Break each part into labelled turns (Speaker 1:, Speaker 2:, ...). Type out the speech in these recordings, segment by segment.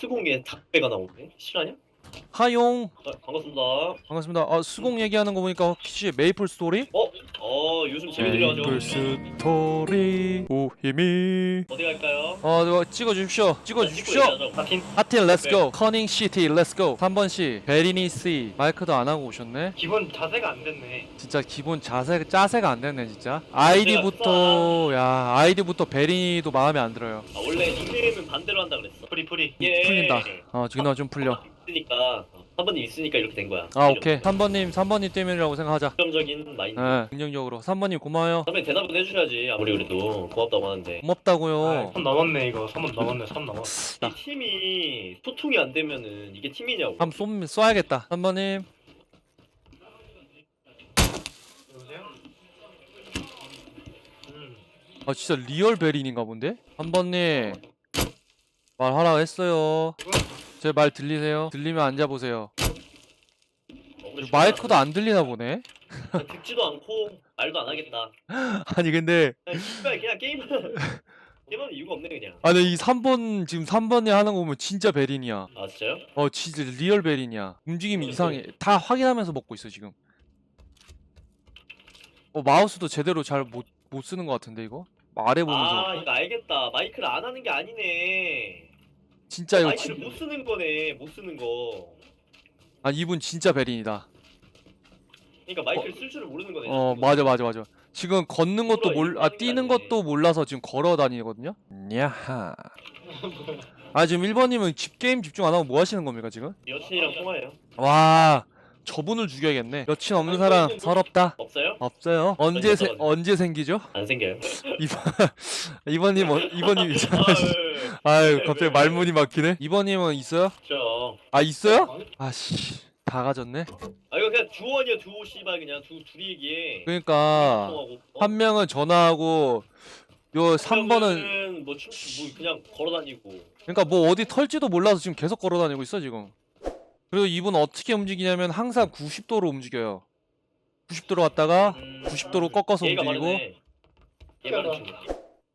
Speaker 1: 스공에 닭배가 나오네. 실화냐?
Speaker 2: 하용
Speaker 1: 반갑습니다.
Speaker 2: 반갑습니다. 수공 얘기하는 거 보니까 혹시 메이플 스토리?
Speaker 1: 요즘 재미 들려가지고
Speaker 2: 메이플 스토리 오히미
Speaker 1: 어디 갈까요?
Speaker 2: 이거 찍어주십시오. 찍어주십시오.
Speaker 1: 하틴
Speaker 2: 하틴 렛츠고. 커닝 시티 렛츠고. 3번씨 베리니 씨 마이크도 안 하고 오셨네.
Speaker 3: 기본 자세가 안 됐네.
Speaker 2: 진짜 기본 짜세가 안 됐네 진짜. 아이디부터 베리니도 마음에 안 들어요.
Speaker 1: 원래 닉네임은 반대로 한다 그랬어.
Speaker 3: 프리.
Speaker 1: 예.
Speaker 2: 풀린다. 지금 좀 풀려.
Speaker 1: 있으니까 3번님 있으니까 이렇게 된 거야.
Speaker 2: 오케이. 3번님 때문이라고 생각하자.
Speaker 1: 긍정적인 마인드.
Speaker 2: 긍정적으로 3번님 고마워요.
Speaker 1: 선배 대답은 해주셔야지. 아무리 그래도 고맙다고 하는데.
Speaker 2: 고맙다고요.
Speaker 3: 3 넘었네 이거. 3번 넘었네. 3 넘었.
Speaker 1: 이 팀이 소통이 안 되면은 이게 팀이냐고.
Speaker 2: 한번 쏴야겠다. 3번님.
Speaker 3: 여보세요?
Speaker 2: 진짜 리얼 베린인가 본데? 3번님 말하라고 했어요. 제 말 들리세요? 들리면 앉아보세요. 마이크도 안 들리나 보네?
Speaker 1: 듣지도 않고 말도 안 하겠다.
Speaker 2: 아니 근데
Speaker 1: 그냥 게임은 게임하는 이유가 없네 그냥.
Speaker 2: 이 3번 지금 3번에 하는 거 보면 진짜 베린이야.
Speaker 1: 아 진짜요?
Speaker 2: 진짜 리얼 베린이야. 움직임이 이상해. 다 확인하면서 먹고 있어 지금. 마우스도 제대로 잘 못 쓰는 것 같은데 이거? 말해보면서
Speaker 1: 이거 알겠다. 마이크를 안 하는 게 아니네.
Speaker 2: 진짜 이거
Speaker 1: 마이크를 못 쓰는 거네. 못 쓰는 거.
Speaker 2: 이분 진짜 베린이다.
Speaker 1: 그러니까 마이크를 쓸 줄을 모르는 거네.
Speaker 2: 맞아. 지금 걷는 것도 뛰는
Speaker 1: 아니네.
Speaker 2: 것도 몰라서 지금 걸어 다니거든요? 야하. 지금 1번님은 게임 집중 안 하고 뭐 하시는 겁니까, 지금?
Speaker 1: 여친이랑 통화해요.
Speaker 2: 와, 저분을 죽여야겠네. 여친 없는 사람 서럽다?
Speaker 1: 없어요?
Speaker 2: 없어요? 언제 생기죠?
Speaker 1: 안 생겨요.
Speaker 2: 이번님 이상하시. 갑자기 말문이 막히네? 2번님은 있어요?
Speaker 1: 저.
Speaker 2: 있어요? 다 가졌네?
Speaker 1: 이거 그냥 두원이야 두오 씨발 그냥 둘이 얘기해.
Speaker 2: 그러니까
Speaker 1: 통화하고.
Speaker 2: 한 명은 전화하고 요 3번은
Speaker 1: 뭐 그냥 걸어다니고.
Speaker 2: 그러니까 뭐 어디 털지도 몰라서 지금 계속 걸어다니고 있어 지금. 그리고 이분 어떻게 움직이냐면 항상 90도로 움직여요. 90도로 갔다가 90도로 꺾어서
Speaker 1: 얘가
Speaker 2: 움직이고.
Speaker 1: 말하네. 얘 말하는 친구.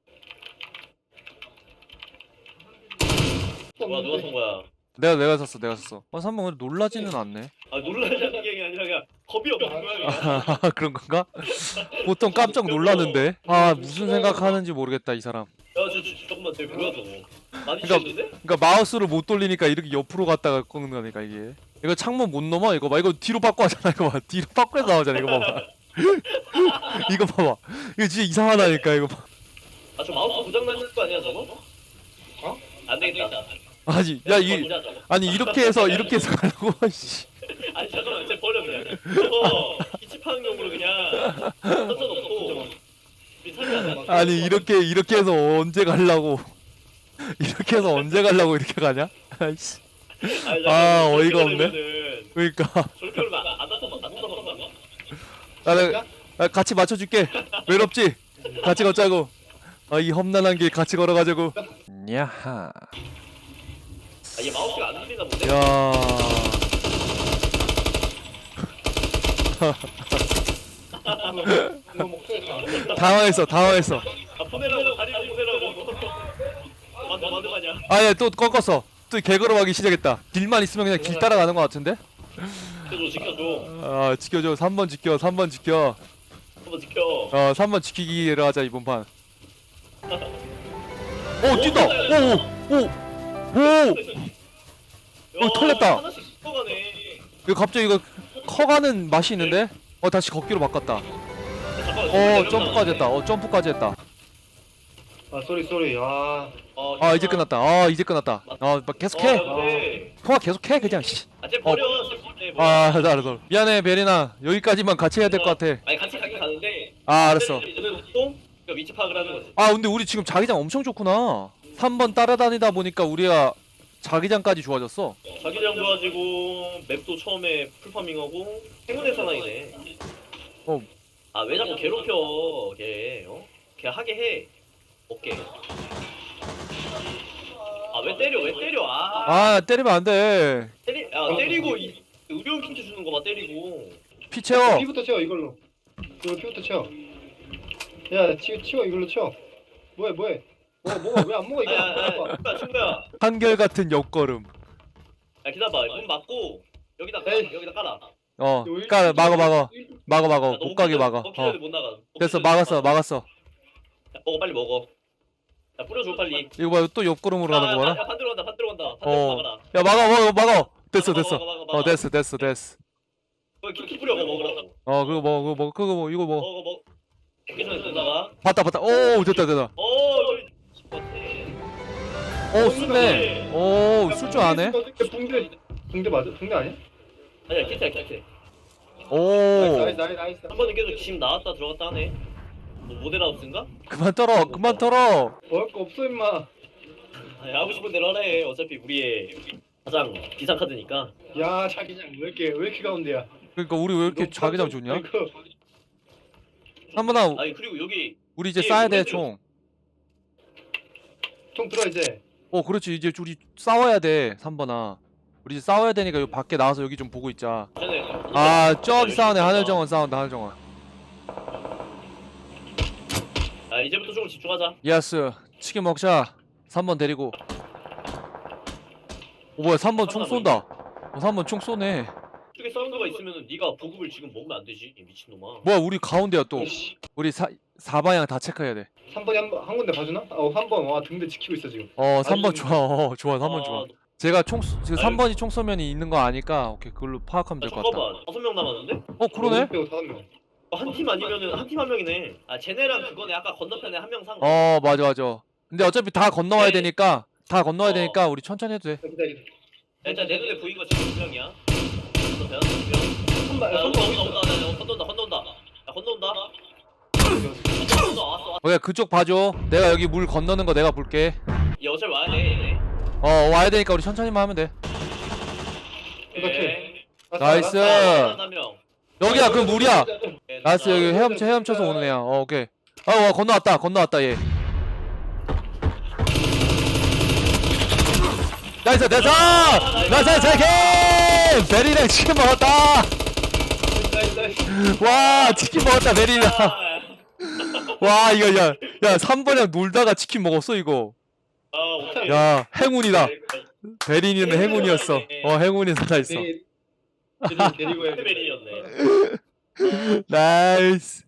Speaker 1: 누가 쏜 거야?
Speaker 2: 내가 샀어. 3번 근데 놀라지는 않네.
Speaker 1: 놀라자는 게 아니라 그냥 겁이 없는 거야. 그냥.
Speaker 2: 그런 건가? 보통 깜짝 놀라는데. 무슨 생각하는지 모르겠다 이 사람.
Speaker 1: 잠깐만 쟤 뭐야 저거. 많이
Speaker 2: 그러니까-
Speaker 1: 치는데?
Speaker 2: 그러니까 마우스를 못 돌리니까 이렇게 옆으로 갔다가 꺾는 거니까 이게. 이거 창문 못 넘어 이거 봐. 이거 뒤로 바꿔 하잖아 이거 봐. 뒤로 바꿔서 나오잖아 이거 봐봐. 이거 봐봐. 이거 진짜 이상하다니까 이거 봐.
Speaker 1: 저 마우스 고장 나는 거 아니야 저거? 안 되겠다.
Speaker 2: 이렇게 해서 가려고. 씨.
Speaker 1: 아니 잠깐만 쟤 버려 그냥. 저거 기침하는용으로 그냥 선전없고. 우리 살이 안 나.
Speaker 2: 이렇게 해서 언제 가려고. 이렇게 가냐? 아이씨. 어이가 없네. 그러니까
Speaker 1: 저렇게 하면 안 나타나.
Speaker 2: 나는 같이 맞춰줄게. 외롭지? 같이 걷자고. 이 험난한 길 같이 걸어가자고. 야하.
Speaker 1: 얘 마우스가 안 들리나 본데?
Speaker 2: 야. 당황했어.
Speaker 1: 보내라고 다리 보내라고. 만두 가냐?
Speaker 2: 야, 또 꺾었어. 또 개걸어가기 시작했다. 길만 있으면 그냥 길 따라가는 것 같은데?
Speaker 1: 지켜줘.
Speaker 2: 지켜줘. 3번 지켜. 3번 지켜.
Speaker 1: 한번 지켜.
Speaker 2: 3번 지키기로 하자 이번 판. 뛴다. 털렸다.
Speaker 1: 하나씩 커가네.
Speaker 2: 이거 갑자기 이거 커가는 맛이 있는데? 다시 걷기로 바꿨다. 점프까지 했다. 점프까지 했다.
Speaker 3: 쏘리.
Speaker 2: 이제 끝났다. 이제 끝났다. 계속해. 통화 계속해 그냥. 씨.
Speaker 1: 쟤 버려.
Speaker 2: 알았어. 미안해 베리나. 여기까지만 같이 해야 될 것 같아.
Speaker 1: 아니 같이 가긴 가는데.
Speaker 2: 알았어.
Speaker 1: 그러니까 위치 파악을 하는 거지.
Speaker 2: 근데 우리 지금 자기장 엄청 좋구나. 3번 따라다니다 보니까 우리가 자기장까지 좋아졌어.
Speaker 1: 자기장 좋아지고 맵도 처음에 풀파밍하고 행운의 사나이네. 왜 자꾸 괴롭혀 걔? 걔 하게 해. 오케이. 왜 때려?
Speaker 2: 때리면 안 돼.
Speaker 1: 때리고 의료용 힌트 주는 거 봐. 때리고.
Speaker 2: 피 채워.
Speaker 3: 피부터 채워 이걸로. 이거 피부터 채워. 야 치워 이걸로 채워. 뭐해? 뭐가 왜 안 먹어 이거?
Speaker 1: 야 친구야.
Speaker 2: 한결같은 옆걸음.
Speaker 1: 야 기다려봐. 문 막고 여기다
Speaker 3: 에이.
Speaker 1: 여기다 깔아.
Speaker 2: 어 깔아 막아
Speaker 1: 야,
Speaker 2: 못 가게 막아.
Speaker 1: 먹히려도 못 나가.
Speaker 2: 됐어
Speaker 1: 먹히려도
Speaker 2: 막았어.
Speaker 1: 야, 먹어 빨리 먹어. 야 뿌려줘 빨리.
Speaker 2: 이거 봐 또 옆걸음으로 가는 거 봐라.
Speaker 1: 야 반대로 간다. 반대로
Speaker 2: 어.
Speaker 1: 막아라.
Speaker 2: 야 막아. 됐어.
Speaker 1: 막아.
Speaker 2: 됐어.
Speaker 1: 키 뿌려 먹으라고.
Speaker 2: 그거 먹어 그거 먹어 이거 먹어.
Speaker 1: 먹어. 먹기 전에 던다가.
Speaker 2: 봤다. 오 됐다. 오 술네. 오 술 줄 아네.
Speaker 3: 붕대 맞아? 붕대 아니야?
Speaker 1: 아니야 키트야.
Speaker 2: 오
Speaker 3: 나이스.
Speaker 1: 한 번은 계속 집 나왔다 들어갔다 하네. 뭐 모델하우스인가?
Speaker 2: 그만 털어.
Speaker 3: 먹을 거 없어 임마.
Speaker 1: 아니, 하고 싶은 대로 하래. 어차피 우리의 가장 비싼 카드니까.
Speaker 3: 야 자기장 왜 이렇게 가운데야?
Speaker 2: 그러니까 우리 왜 이렇게
Speaker 3: 너무
Speaker 2: 자기장
Speaker 3: 깜짝-
Speaker 2: 좋냐?
Speaker 3: 아이고.
Speaker 2: 한번아
Speaker 1: 아니 그리고 여기
Speaker 2: 우리 이제
Speaker 1: 예,
Speaker 2: 싸야 돼
Speaker 1: 오른쪽.
Speaker 2: 총.
Speaker 3: 총 들어 이제.
Speaker 2: 그렇지 이제 우리 싸워야 돼 3번아. 우리 이제 싸워야 되니까 여기 밖에 나와서 여기 좀 보고 있자.
Speaker 1: 전에
Speaker 2: 저기 싸우네. 하늘정원 싸운다. 하늘정원.
Speaker 1: 아 이제부터 조금 집중하자.
Speaker 2: 예스 치킨 먹자. 3번 데리고. 뭐야 3번 총 쏜다. 3번 총 쏘네.
Speaker 1: 쪽에 사운드가 있으면은 네가 보급을 지금 먹으면 안 되지 이 미친놈아.
Speaker 2: 뭐야 우리 가운데야 또.
Speaker 3: 씨,
Speaker 2: 우리 4방향 다 체크해야 돼.
Speaker 3: 3번이 한 군데 봐주나? 한 번. 와 등대 지키고 있어 지금.
Speaker 2: 3번
Speaker 3: 아니,
Speaker 2: 좋아 3번 좋아. 제가 지금 3번이 총 쏘면이 있는 거 아니까 오케이 그걸로 파악하면 될 것 같다.
Speaker 1: 잠깐만 5명 남았는데?
Speaker 2: 그러네.
Speaker 3: 빼고 5명.
Speaker 1: 한 팀 아니면은 한 팀 한 명이네. 아 쟤네랑 그거네 아까 건너편에 한 명 산 거.
Speaker 2: 맞아. 근데 어차피 다 건너와야
Speaker 1: 네.
Speaker 2: 되니까 우리 천천히 해도 돼.
Speaker 3: 기다려.
Speaker 1: 일단 내 눈에 보인 거 지금 2명이야. 건너편 2명.
Speaker 3: 선발
Speaker 1: 야
Speaker 3: 선발
Speaker 1: 건너온다. 야 건너온다. 왔어.
Speaker 2: 오케이 그쪽 봐줘. 내가 여기 물 건너는 거 내가 볼게.
Speaker 1: 얘 어차피 와야 돼 얘네.
Speaker 2: 와야 되니까 우리 천천히만 하면 돼.
Speaker 1: 오케이.
Speaker 2: 나이스.
Speaker 1: 한 명.
Speaker 2: 여기야 그 물이야.
Speaker 1: 네,
Speaker 2: 나이스 여기 헤엄쳐서 오는 애야. 오케이. 와 건너왔다 얘. 나이스 치킨! 베리랑 치킨 먹었다. 와 치킨 먹었다 베리랑. 와 이거 야 3번이랑 놀다가 치킨 먹었어 이거.
Speaker 1: 오케이.
Speaker 2: 야 행운이다. 베리는 행운이었어. 행운이 살아있어.
Speaker 3: 데리고 해야 돼.
Speaker 1: 베리였네.
Speaker 2: 나이스.